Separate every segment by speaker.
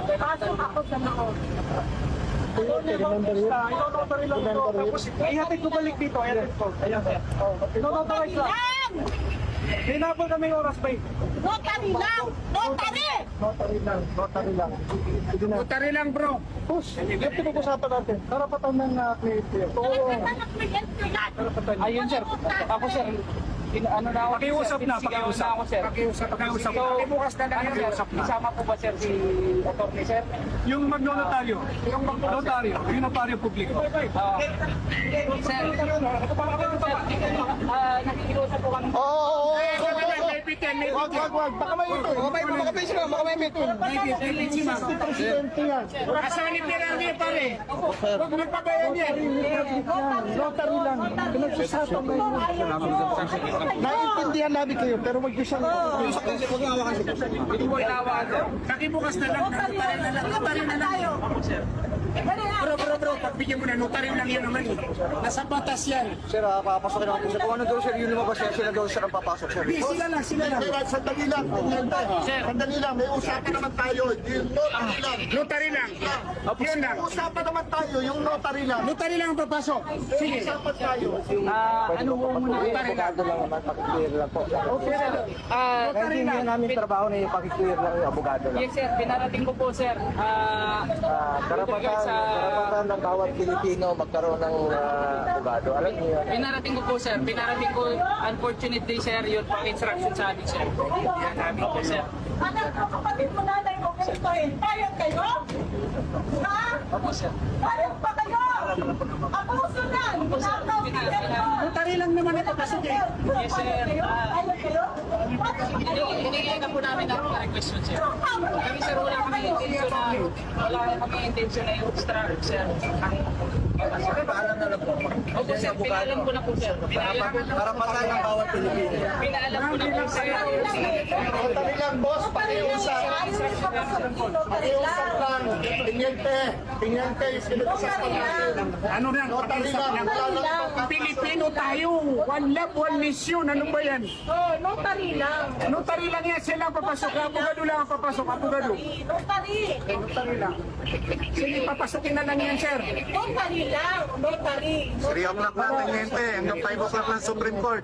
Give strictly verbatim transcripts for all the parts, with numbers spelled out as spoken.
Speaker 1: Pasok ako sa loob.
Speaker 2: Remember yun?
Speaker 3: Ino-notary lang ito. Tapos ihatid ko balik dito. Ihatid ko. Ayan, sir. Ino-notarize lang.
Speaker 1: Lang!
Speaker 3: Hinapol kami yung oras, babe.
Speaker 1: Notary lang! Notary!
Speaker 2: Notary lang, notary lang. Sige na.
Speaker 3: Notary lang, bro.
Speaker 2: Push, yung pinag-usapan natin. Karapatan ng uh, cliente. Oo.
Speaker 4: Ayun sir, ako sir, in, ano na ako,
Speaker 3: Pakiusap na,
Speaker 4: sinisigawan
Speaker 3: pakiusap.
Speaker 4: na ako sir.
Speaker 3: Pakiusap, pakiusap.
Speaker 4: So,
Speaker 3: Pakibukas na lang,
Speaker 4: ano sir,
Speaker 3: pakiusap na.
Speaker 4: isama po ba sir si attorney sir?
Speaker 3: Yung magnotaryo, yung magnotaryo, yung notaryo publiko.
Speaker 4: Ah, sir, sir, ah, nakikiusap po kami.
Speaker 2: Oo, oo, oo.
Speaker 3: May
Speaker 2: Wag, wag, wag. Baka may ito. Baka may baka may sila, baka may ito. sixty percent yan.
Speaker 3: Kasanip niya lang niya, pare. Huwag magpabayan yan.
Speaker 2: Notary lang. Pinag-usapan na yun. Naiintindihan namin kayo, pero wag niyo siyang...
Speaker 4: Hindi mo inawakan sir.
Speaker 3: Pakibukas na lang, notary na lang, notary na lang. Bro, bro, bro, pagbigyan mo na, notary lang yan naman. eh. Nasa batas yan.
Speaker 2: Sir, ah, papasokin ako po sir. Kung ano daw sir, yun lumabas sir, sila daw sir ang papasok sir.
Speaker 3: Di, sila lang, sila lang.
Speaker 5: Kaya sandali lang, sandali lang, may usapan naman tayo, yung notary lang.
Speaker 3: Notary lang. Yun lang.
Speaker 5: Usapan naman tayo, yung notary lang.
Speaker 3: Notary lang ang papasok. Sige.
Speaker 5: Usapan tayo.
Speaker 4: Ah, ano po muna?
Speaker 2: Abogado lang naman, pakiclear lang po.
Speaker 4: Okay sir, ah,
Speaker 2: Hindi nyo namin trabaho na yung pakiclear lang yung abogado lang.
Speaker 4: yes sir, pinarating ko po sir. Ah,
Speaker 2: Ah, karapatan,
Speaker 4: sa
Speaker 2: karapatan ng bawat Pilipino magkaroon ng ah, abogado. Alam niyo yan.
Speaker 4: pinarating ko po sir, pinarating ko unfortunately sir, yun pang instruction sa amin sir. Yan namin po sir.
Speaker 1: Anak ko, kapatid mo nanay mo kristohin. Payag kayo? Ha?
Speaker 4: Opo sir.
Speaker 1: Payag pa kayo? Abuso na! Nakaw kayo!
Speaker 3: Notary lang naman ito kasi eh.
Speaker 4: Yes sir. Ah,
Speaker 1: Payag kayo?
Speaker 4: Hinigay na po namin ang request yun sir. Kami sir, wala kami intention na, wala kami intention na i-obstruct sir.
Speaker 2: Paalam na lang po.
Speaker 4: Opo sir, pinaalam ko na po sir. Pinaalam ko na
Speaker 2: Karapatan ng bawat Pilipino.
Speaker 4: Pinaalam ko na po sir.
Speaker 5: Notary lang, boss, pakiusap. Pakiusap lang. Pinyente, pinyente, yung pinag-usapan natin.
Speaker 3: Ano yan?
Speaker 5: Notary lang, wala lang.
Speaker 3: Pilipino tayo. One love, one mission. Ano ba yan?
Speaker 1: Oh, notary lang.
Speaker 3: Notary lang yan. Sila ang papasok. Abogado lang ang papasok. Abogado.
Speaker 1: Notary.
Speaker 3: Notary lang. Sige, papasukin na lang yan, sir.
Speaker 1: Notary lang. Notary.
Speaker 5: three o'clock na, pinyente. Hanggang five o'clock ng Supreme Court.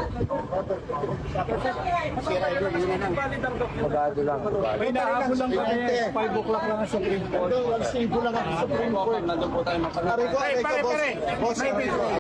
Speaker 2: Abogado lang. Abogado.
Speaker 3: May nahabol lang kami. five o'clock lang ang Supreme Court.
Speaker 5: One single lang ang Supreme Court.
Speaker 2: Nandun po tayo
Speaker 5: Pare ko,
Speaker 3: Pare,
Speaker 5: ikaw,
Speaker 3: pare,
Speaker 5: boss.
Speaker 3: pare.
Speaker 5: Boss,
Speaker 3: May video.